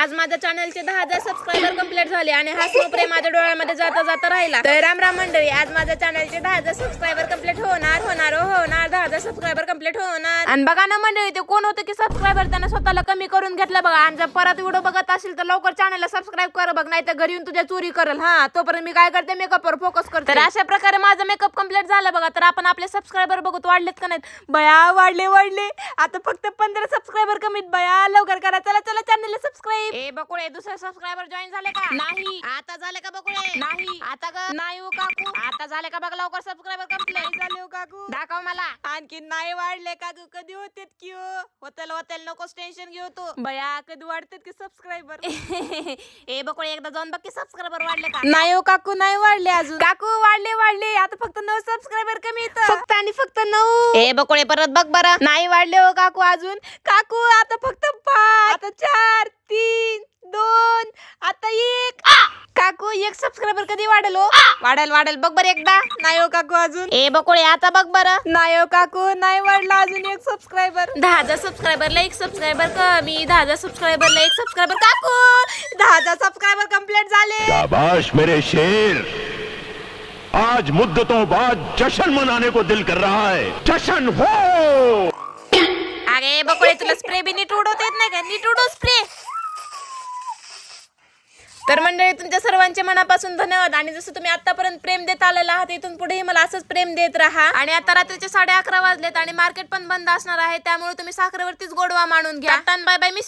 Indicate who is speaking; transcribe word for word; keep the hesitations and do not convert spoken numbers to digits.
Speaker 1: आज माझ्या चॅनलचे दहा हजार सबस्क्रायबर कंप्लीट झाले आणि हा स्नो प्रेम माझ्या डोळ्यामध्ये जाता जाता राहिला. तर राम राम मंडळी, आज माझ्या चॅनलचे दहा हजार सबस्क्रायबर कंप्लीट होणार होणार होणार दहा हजार सबस्क्रायबर कंप्लीट होणार. आणि बघा ना मंडळी, ते कोण होतं की सबस्क्रायबर त्याने स्वतःला कमी करून घेतलं बघा. आणि जर परत व्हिडिओ बघत असेल तर लवकर चॅनलला सबस्क्राईब कर बघ, नाही तर घरी येऊन तुझ्या चोरी करेल. हा, तोपर्यंत मी काय करते, मेकअपवर फोकस करते. तर अशा प्रकारे माझा मेकअप कंप्लीट झाला बघा. तर आपण आपले सबस्क्रायबर बघत वाढलेत का नाहीत? बया वाढले वाढले आता फक्त पंधरा सबस्क्रायबर कमीत. बया लवकर करा, चला चला चॅनलला सबस्क्राईब. ए बकुळे, दुसरे सबस्क्रायबर जॉईन झाले का? नाही. आता झाले का बकुळे? नाही. आता ग नाही हो काकू. आता झाले का बघ, लवकर सबस्क्रायबर कंप्लीट झाले हो काकू. दाखव मला. आणखी नाही वाढले काकू. कधी होते की हो? होतेल होतेल, नकोच टेन्शन घेऊ तू. बया कधी वाढतात की सबस्क्रायबर? ए बकुळे, एकदा जाऊन बघ की सबस्क्रायबर वाढले का? नाही हो काकू, नाही वाढले अजून. काकू वाढले वाढले आता फक्त नऊ सबस्क्रायबर कमी येत, फक्त आणि फक्त नऊ. ए बकुळे, परत बघ बरं. नाही वाढले हो काकू अजून. काकू आता फक्त पाच, आता चार, तीन, दोन, आता एक. काकू एक सबस्क्रायबर कधी वाढेल हो? वाढेल वाढेल बघ बरं एकदा. नाही हो काकू अजून. ए बकुळे, आता बघ बरं. नाही हो काकू, नाही वाढला अजून एक सबस्क्रायबर. दहा हजार सबस्क्रायबरला एक सबस्क्रायबर कमी. दहा हजार सबस्क्रायबरला एक सबस्क्रायबर. काकू दहा हजार सबस्क्रायबर कंप्लीट झाले.
Speaker 2: शाबाश मेरे शेर, आज मुद्दतों बाद जश्न मनाने को दिल कर रहा है. जश्न हो.
Speaker 1: अरे बकुळे, तुला स्प्रे बी नीट उडवता येत नाही का? नीट उडव स्प्रे. तर मंडळी, तुमच्या सर्वांचे मनापासून धन्यवाद. आणि जसं तुम्ही आतापर्यंत प्रेम देत आलेला आहात, इथून पुढेही मला असंच प्रेम देत राहा. आणि आता रात्रीचे साडे अकरा वाजलेत आणि मार्केट पण बंद असणार आहे, त्यामुळे तुम्ही साखरेवरतीच गोडवा मानून घ्या. Bye bye, miss